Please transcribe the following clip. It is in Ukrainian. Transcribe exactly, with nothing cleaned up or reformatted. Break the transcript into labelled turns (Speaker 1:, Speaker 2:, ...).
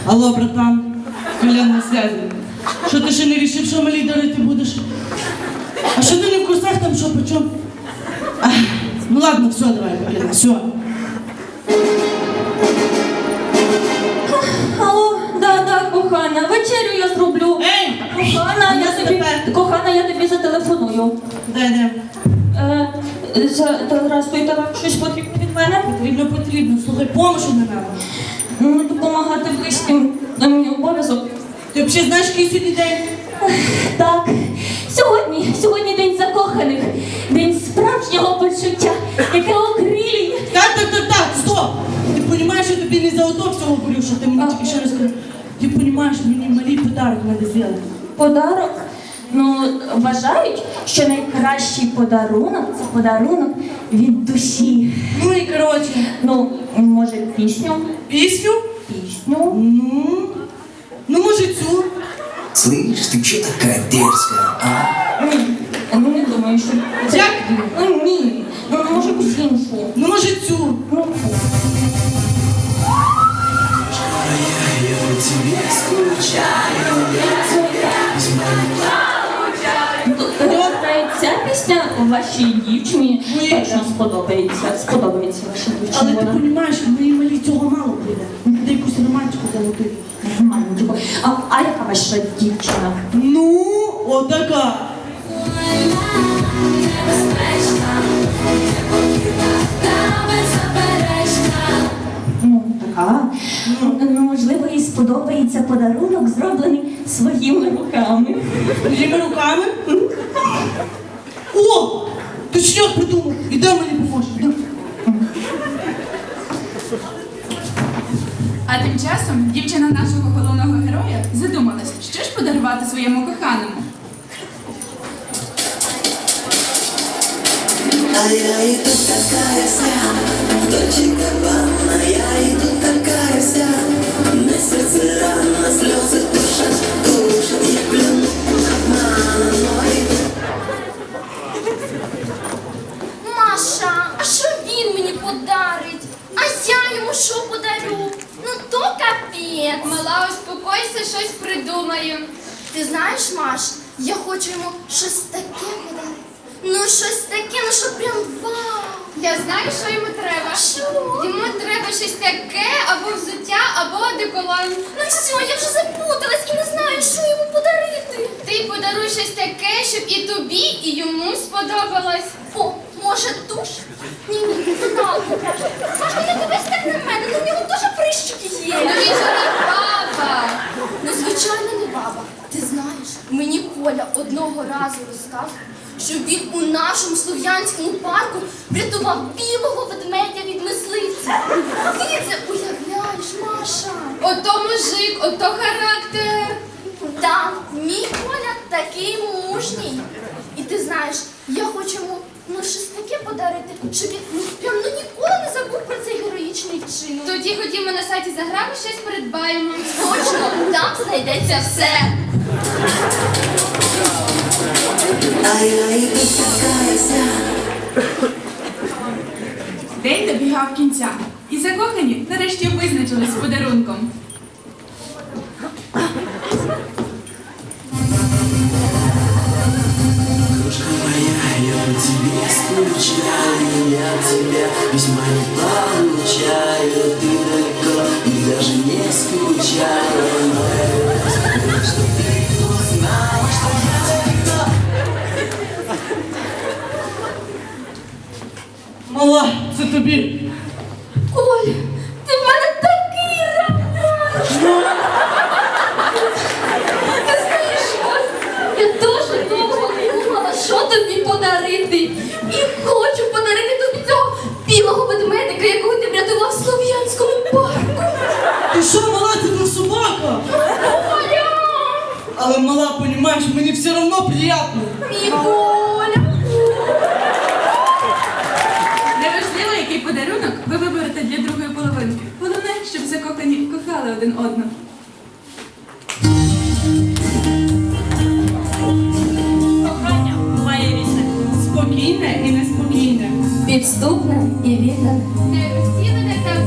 Speaker 1: Алло, братан, Колян на связі. Що ти ще не рішив, що малій дарити будеш? А що ти не в курсах там, що, по чому? А, ну ладно, все, давай, Колян, все.
Speaker 2: Алло, да-да, кохана, вечерю я зроблю.
Speaker 1: Ей!
Speaker 2: Кохана, я тобі, кохана, я тобі зателефоную.
Speaker 1: Дай, дай.
Speaker 2: Е, за- Здрастуйте, вам щось потрібно від мене?
Speaker 1: Потрібно, потрібно. Слухай, помощу не треба.
Speaker 2: Ну, допомагати близьким на мій обов'язок.
Speaker 1: Ти взагалі знаєш, який сьогодні день?
Speaker 2: Так, сьогодні, сьогодні день закоханих, день справжнього почуття, яке окрилює.
Speaker 1: Так, так, так, так, стоп! Ти розумієш, що тобі не за ото всього говорю, що ти мені тільки ще раз сказав. Ти розумієш, мені малий подарок треба зробити.
Speaker 2: Подарок? Ну, вважають, що найкращий подарунок – це подарунок від душі.
Speaker 1: Ну і коротше,
Speaker 2: Ну, може, пісню?
Speaker 1: пісню?
Speaker 2: Пісню?
Speaker 1: Ну, ну може цю.
Speaker 3: Слышь, ты че такая дерзкая, а?
Speaker 2: Ні, ну не думаю, що це...
Speaker 1: Як?
Speaker 2: Ну, ні, ну, може, якусь іншу.
Speaker 1: Ну може цю.
Speaker 2: Ну,
Speaker 3: Я по тебе скучаю, я тебя без
Speaker 2: Добре, ця пісня вашій дівчині
Speaker 1: Ну, і
Speaker 2: точно
Speaker 1: що?
Speaker 2: сподобається. Сподобається вашій дівчині.
Speaker 1: Але ти
Speaker 2: вона.
Speaker 1: розумієш, моїй малій цього мало буде. Де якусь романтику золотити.
Speaker 2: Романтику. А, а яка ваша дівчина?
Speaker 1: Ну, отака.
Speaker 2: Ну, така. Ну, можливо, їй сподобається подарунок, зроблений своїми руками.
Speaker 1: Моїми руками. О! Точняк придумав. Іде мені поможеш. іде.
Speaker 4: А тим часом дівчина нашого головного героя задумалась, що ж подарувати своєму коханому.
Speaker 5: А я иду такая вся, Дольче Габбана, я иду такая вся. На сердце рана, слезы душат, душат, я клянусь обманом, но иду.
Speaker 6: Маша, а що він мені подарить? А я йому що подарю? Ну то капець.
Speaker 7: Мала, успокойся, щось придумаю.
Speaker 6: Ти знаєш, Маш, я хочу йому щось таке подарити. Ну щось таке, ну що прям вау.
Speaker 7: Я знаю, що йому треба.
Speaker 6: Що?
Speaker 7: Йому треба щось таке, або взуття, або одеколон.
Speaker 6: Ну все, я вже запуталась і не знаю, що йому подарити.
Speaker 7: Ти подаруй щось таке, щоб і тобі, і йому сподобалось.
Speaker 6: О, може туш? Ні, ні, не надо. Маш, не дивись так на мене, ну в нього дуже прищики є.
Speaker 7: Ну він же не баба.
Speaker 6: Ну, звичайно, не баба. Ти знаєш, мені Коля одного разу розказував, що він у нашому слов'янському парку врятував білого ведмедя від мисливця. Ти це уявляєш, Маша?
Speaker 7: Ото мужик, ото характер.
Speaker 6: Так, мій Коля такий мужній. І ти знаєш, я хочу йому ну, щось таке подарити, щоб він ну, прям ну, ніколи не забув про цей героїчний вчинок.
Speaker 7: Тоді ходімо на сайті Заграми, щось придбаємо.
Speaker 6: Точно, там знайдеться все.
Speaker 5: А я иду такая вся.
Speaker 4: День добігав кінця, і закохані нарешті визначились з подарунком.
Speaker 3: Кружка моя, я по тебе скучаю, я тебя весьма не получаю. Ты далеко и даже не скучаю. Но я скажу, что ты узнала, что я никто.
Speaker 1: Мала, це тобі.
Speaker 6: Коль, ти в мене такий роман! Ти знаєш що? Я дуже довго думала, що тобі подарити. І хочу подарити тобі цього білого ведмедика, якого ти врятував в Слов'янському парку.
Speaker 1: Ти що, мала, це не собака?
Speaker 6: Коля!
Speaker 1: Але мала, розумієш, мені все одно приємно.
Speaker 6: Мій Коля!
Speaker 4: Неважливо, який подарунок ви виберете для другої половинки. Головне, щоб закохані кохали один одного.
Speaker 2: Кохання буває різне.
Speaker 1: Спокійне і неспокійне.
Speaker 2: Підступне і віддане.
Speaker 7: Не всі ви так